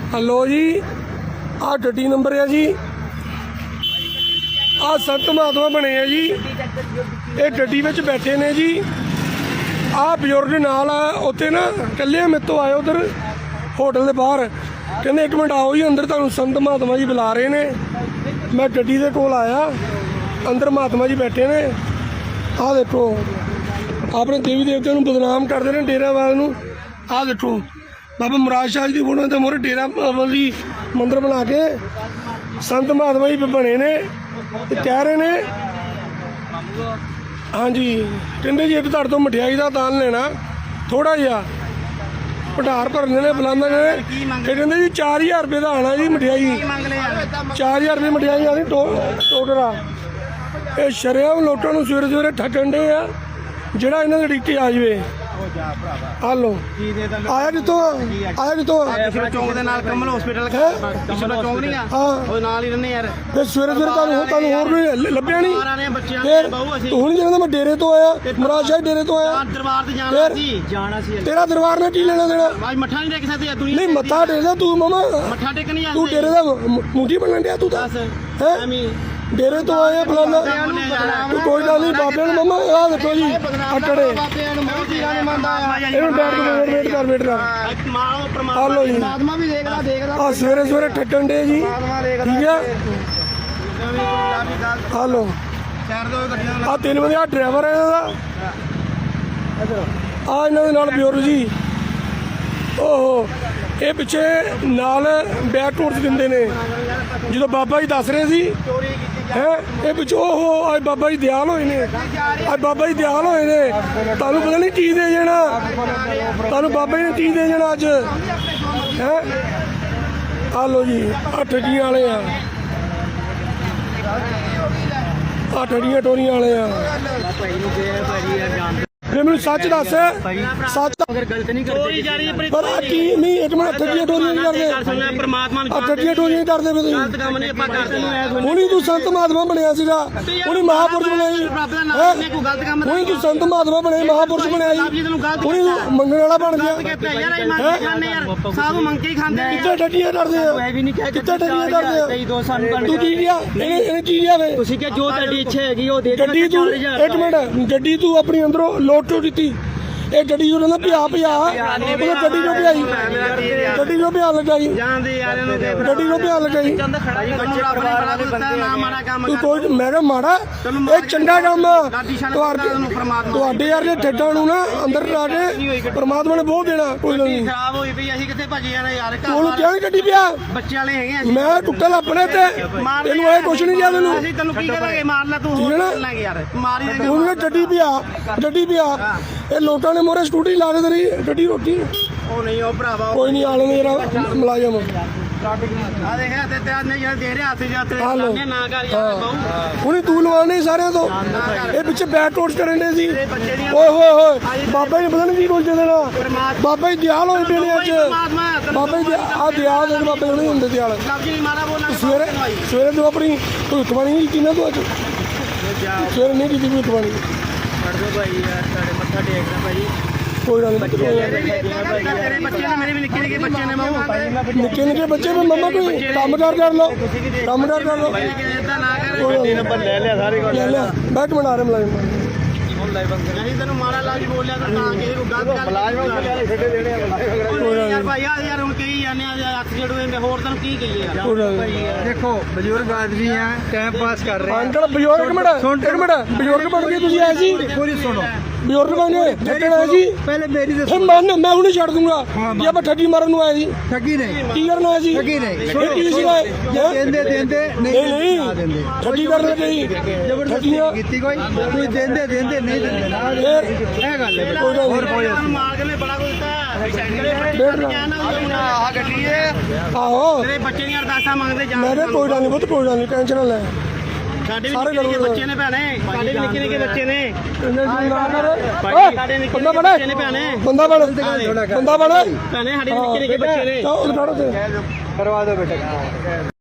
Hello जी आ गड्डी number है जी। आ संत महात्मा बने है जी। ये गड्डी में बैठे ने जी। आ बजुर्ग नाल उत्थे ना कल्ले मेरे तो आए उधर होटल के बाहर कहते एक मिनट आओ जी अंदर तुहानूं संत महात्मा जी बुला रहे ने। मैं गड्डी के कोल आया अंदर महात्मा जी बैठे ने। आ देखो अपने देवी देवते नूं बदनाम करते हैं डेरावाल नूं। आ देखो बाबा मुराद शाह जी की फोटो के मोहरे डेरा जी मंदिर बना के संत महात्मा जी बने ने कह रहे ने। हाँ जी कहते जी एक तुहाडे तो मठियाई का दान लेना थोड़ा जिहा भंडार भरने ने बुलांदे ने। कहते जी 4000 रुपये का आना जी मठियाई 4000 रुपये मठियाई आनी टोकरा। ये शरेआम लोटां नूं सवेरे सवेरे ठगण डे आ ਜਿਹੜਾ ਇਹਨਾਂ ਦੇ ਡਿੱਟੀ ਆ ਜਵੇ। ਆ ਲੋ ਆਇਆ ਕਿਤੋਂ ਆਇਆ ਕਿਤੋਂ ਚੌਂਕ ਦੇ ਨਾਲ ਕਮਲ ਹਸਪੀਟਲ ਕਿਸ਼ੋਰਾ ਚੌਂਕ ਨਹੀਂ ਆ ਉਹ ਨਾਲ ਹੀ ਰਹਿੰਦੇ ਯਾਰ। ਤੇ ਸਵੇਰੇ ਸਵੇਰੇ ਤੁਹਾਨੂੰ ਹੋਰ ਕੋਈ ਲੱਭਿਆ ਨਹੀਂ ਫਿਰ ਹੁਣ ਜਿਹੜਾ ਮੈਂ ਡੇਰੇ ਤੋਂ ਆਇਆ ਮੁਰਾਦ ਸ਼ਾਹ ਡੇਰੇ ਤੋਂ ਆਇਆ ਦਰਬਾਰ ਤੇ ਜਾਣਾ ਸੀ ਤੇਰਾ ਦਰਬਾਰ ਨੇ ਕੀ ਲੈਣਾ ਦੇਣਾ। ਅੱਜ ਮੱਥਾ ਨਹੀਂ ਟੇਕ ਸਕਦੇ ਦੁਨੀਆ ਨਹੀਂ ਮੱਥਾ ਟੇਕਦਾ ਤੂੰ ਮਾਮਾ ਮੱਥਾ ਟੇਕ ਨਹੀਂ ਤੂੰ ਡੇਰੇ ਦਾ ਮੁੰਡੀ ਬਣਨ ਡਿਆ ਤੂੰ ਤਾਂ ਹੈ डेरे तो आए फलाना तू कोई गल नहीं बाबे मम्मा आ देखो जी अटड़े वेट कर आ लो जी आ सवेरे सवेरे ठगन डे जी ठीक है। आ लो आ 3 बजे आ ड्राइवर है इन्हां दा आ इन्हां दे नाल ब्योर जी ओहो ये पिछे नाल बैक टूर दिंदे ने जो बाबा जी दस रहे सी है ये पिछो ओहो अज बाबा जी दयाल होए ने अज बाबा जी दयाल होए ने तुहानूं पता नहीं की दे जाना तुहानूं बाबा जी ने की दे जाना अज है। आ लो जी आ ठगियां वाले आ ठगियां टोरियां वाले फिर मैनूं सच दस सच गलत नहीं करते पर की नहीं एक मिनट ठगियां टोरियां नहीं करदे परमात्मा आ ठगियां टोरियां नहीं करदे फिर गलत काम नहीं ਆਪਾਂ ਕਰਦੇ हुणी तू संत महात्मा बनया सीगा हुणी महापुरुष बनाई हुणी तू संत महात्मा बने महापुरुष बनाई हुणी तू मंगण वाला बन गया साधु मंग के ही खांदे कित्थे ठगियां करदे आ कित्थे ठगियां करदे आ ਦੋ ਸਾਨੂੰ तू की लिया ਇਹਨੇ ਕੀ ਲਿਆ ਵੇ ਤੁਸੀਂ ਕਿ ਜੋ ਤੁਹਾਡੀ ਇੱਛਾ ਹੈਗੀ ਉਹ ਦੇ ਦਿਓ। ਗੱਡੀ ਤੂੰ ਇੱਕ ਮਿੰਟ ਗੱਡੀ ਤੂੰ ਆਪਣੀ ਅੰਦਰੋਂ ਲੋਟ ਟੋ ਦਿੱਤੀ ਇਹ ਗੱਡੀ ਨੂੰ ਕਹਿੰਦਾ ਉਹ ਗੱਡੀ ਨੂੰ ਭਜਾਈ ਗੱਡੀ ਨੂੰ ਭਜਾ ਲਗਾਈ ਜਾਂਦੇ ਯਾਰ ਇਹਨੂੰ ਦੇ ਗੱਡੀ ਨੂੰ ਭਜਾ ਲਗਾਈ ਤੂੰ ਕੋਈ ਮੈਂ ਕਿਹਾ ਮਾੜਾ ਇਹ ਚੰਗਾ ਕੰਮ ਤੁਹਾਡੇ ਯਾਰ ਦੇ ਠੱਡਾਂ ਨੂੰ ਨਾ ਅੰਦਰ ਲਾ ਕੇ ਪਰਮਾਤਮਾ ਨੇ ਬਹੁਤ ਦੇਣਾ ਕੋਈ ਨਹੀਂ ਖਰਾਬ ਹੋਈ ਪਈ ਅਸੀਂ ਕਿੱਥੇ ਭੱਜ ਜਾਣਾ ਯਾਰ ਤੂੰ ਕਿਉਂ ਨਹੀਂ ਗੱਡੀ ਪਿਆ ਬੱਚੇ ਵਾਲੇ ਹੈਗੇ ਮੈਂ ਟੁੱਟਲ ਆਪਣੇ ਤੇ ਤੈਨੂੰ ਇਹ ਕੁਛ ਨਹੀਂ ਕਿਹਾ ਤੈਨੂੰ ਅਸੀਂ ਤੈਨੂੰ ਕੀ ਕਰਾਂਗੇ ਮਾਰ ਲੈ ਤੂੰ ਹੋਰ ਲਾਂਗੇ ਯਾਰ ਮਾਰੀ ਦੇ ਤੂੰ ਗੱਡੀ ਪਿਆ ਇਹ ਲੋਕਾਂ ਨੇ ਮੋਰੇ ਸਕੂਟੀ ਲਾ ਕੇ ਤੇਰੀ ਗੱਡੀ ਰੋਕੀ ਉਹ ਨਹੀਂ ਉਹ ਭਰਾਵਾ ਕੋਈ ਨਹੀਂ ਆਲੇ ਮੇਰਾ ਮੁਲਾਜ਼ਮ ਆ ਦੇਖਿਆ ਤੇ ਤੇ ਨਹੀਂ ਯਾਰ ਦੇ ਰਿਹਾ ਹੱਥ ਜਾਤੇ ਨਾ ਕਰ ਯਾਰ ਬਹੁ ਹੁਣੀ ਤੂੰ ਲਵਾਣੇ ਸਾਰਿਆਂ ਤੋਂ ਇਹ ਪਿੱਛੇ ਬੈਕ ਟੋਰਚ ਕਰਨ ਦੇ ਸੀ ਓਏ ਹੋਏ ਹੋਏ ਬਾਬਾ ਜੀ ਪਤਾ ਨਹੀਂ ਕੀ ਬੋਲਦੇ ਦੇਣਾ ਬਾਬਾ ਜੀ ਦਿਆਲ ਹੋਏ ਪਏ ਨੇ ਅੱਜ ਬਾਬਾ ਜੀ ਆ ਦਿਆਲ ਦੇ ਬਾਬਾ ਜੀ ਨਹੀਂ ਹੁੰਦੇ ਦਿਆਲ ਸਵੇਰੇ ਤੂੰ ਆਪਣੀ ਭੁੱਖਬਾਣੀ ਨਹੀਂ ਕੀਤੀ ਨਾ ਤੂੰ ਅੱਜ ਸਵੇਰੇ ਨਹੀਂ ਕੀਤੀ ਭੁੱਖਬਾਣੀ ਛੱਡ ਦੋ ਭਾਈ ਯਾਰ ਤੁਹਾਡੇ ਮੱਥਾ ਟੇਕਣਾ ਭਾਈ ਕੋਈ ਗੱਲ ਨਹੀਂ ਤੇਰੇ ਬੱਚੇ ਨੇ ਮੇਰੇ ਵੀ ਨਿੱਕੇ ਨਿੱਕੇ ਬੱਚੇ ਨੇ ਬਾਬੂ ਨਿੱਕੇ ਨਿੱਕੇ ਬੱਚੇ ਵੀ ਮੰਮਾ ਕੋਈ ਕੰਮ ਕਰ ਲਓ ਕੰਮ ਕਰ ਲਓ ਇਦਾਂ ਨਾ ਕਰ ਗੱਡੀ ਨੰਬਰ ਲੈ ਲਿਆ ਸਾਰੇ ਕੋਲ ਲੈ ਲਿਆ ਬੈਠ ਬਣਾ ਰਹੇ ਮੁਲਾਜ਼ਮ ਨਹੀਂ ਤੈਨੂੰ ਮਾੜਾ ਲਾਜ ਬੋਲਿਆ ਤਾਂ ਕਿਸੇ ਨੂੰ ਗਲਤ ਗੱਲ ਯਾਰ ਭਾਈ ਯਾਰ ਹੁਣ ਕਹੀ ਜਾਂਦੇ ਆ ਅੱਖ ਜੜੂਏ ਹੋਰ ਤੈਨੂੰ ਕੀ ਕਹੀਏ ਯਾਰ देखो बुजुर्ग आदमी हैं टाइम पास कर रहे हैं। ਅੰਕਲ ਬਜ਼ੁਰਗ ਇੱਕ ਮਿੰਟ ਬਜ਼ੁਰਗ ਬਣ ਕੇ ਤੁਸੀਂ ਆਏ ਸੀ पूरी सुनो ਬਜ਼ੁਰਗ ਬਣ ਕੇ ਠੱਗਣ ਆਏ ਸੀ पहले मेरी से ਫਿਰ ਮੈਂ ਹੁਣੇ ਛੱਡ ਦੂੰਗਾ ਜੇ ਆਪਾਂ ਠੱਗੀ ਮਾਰਨ ਨੂੰ ਆਏ ਸੀ ठगी नहीं ਕੀ ਕਰਨ ਆਏ ਸੀ ठगी नहीं ਇਹ ਕੀ ਸੀਗਾ देंदे देंदे ਨਹੀਂ ना देंदे ਠੱਗੀ ਕਰਨ ਲੱਗੇ ਸੀ जबरदस्ती कीती कोई कोई देंदे देंदे नहीं देंदे ना ਫਿਰ ये गल है ਕੋਈ ਗੱਲ ਨਹੀਂ ਮਾਰ ਕੇ ਨੇ ਬੜਾ ਕੁਝ ਦਿੱਤਾ आ गड्डी है ਆਹੋ ਤੇਰੇ ਬੱਚੇ ਦੀਆਂ ਅਰਦਾਸਾਂ ਮੰਗਦੇ ਜਾ ਮੈਂ ਕਿਹਾ ਕੋਈ ਗੱਲ ਨਹੀਂ ਬਹੁਤ ਕੋਈ ਗੱਲ ਨਹੀਂ ਟੈਨਸ਼ਨ ਨਾ ਲੈ ਸਾਡੇ ਵੀ ਨਿੱਕੇ ਨਿੱਕੇ ਬੱਚੇ ਨੇ ਭੈਣੇ ਸਾਡੇ ਵੀ ਨਿੱਕੇ ਨਿੱਕੇ ਬੱਚੇ ਨੇ ਓਏ ਸਾਡੇ ਨਿੱਕੇ ਬੰਦਾ ਨਿੱਕੇ ਬਣ ਬੱਚੇ ਨੇ ਭੈਣੇ ਬੰਦਾ ਬਣ ਭੈਣੇ ਸਾਡੇ ਵੀ ਨਿੱਕੇ ਨਿੱਕੇ ਬੱਚੇ ਨੇ ਚਾਹ ਉਧਾੜੋ ਤੇ करवा दो बेटा।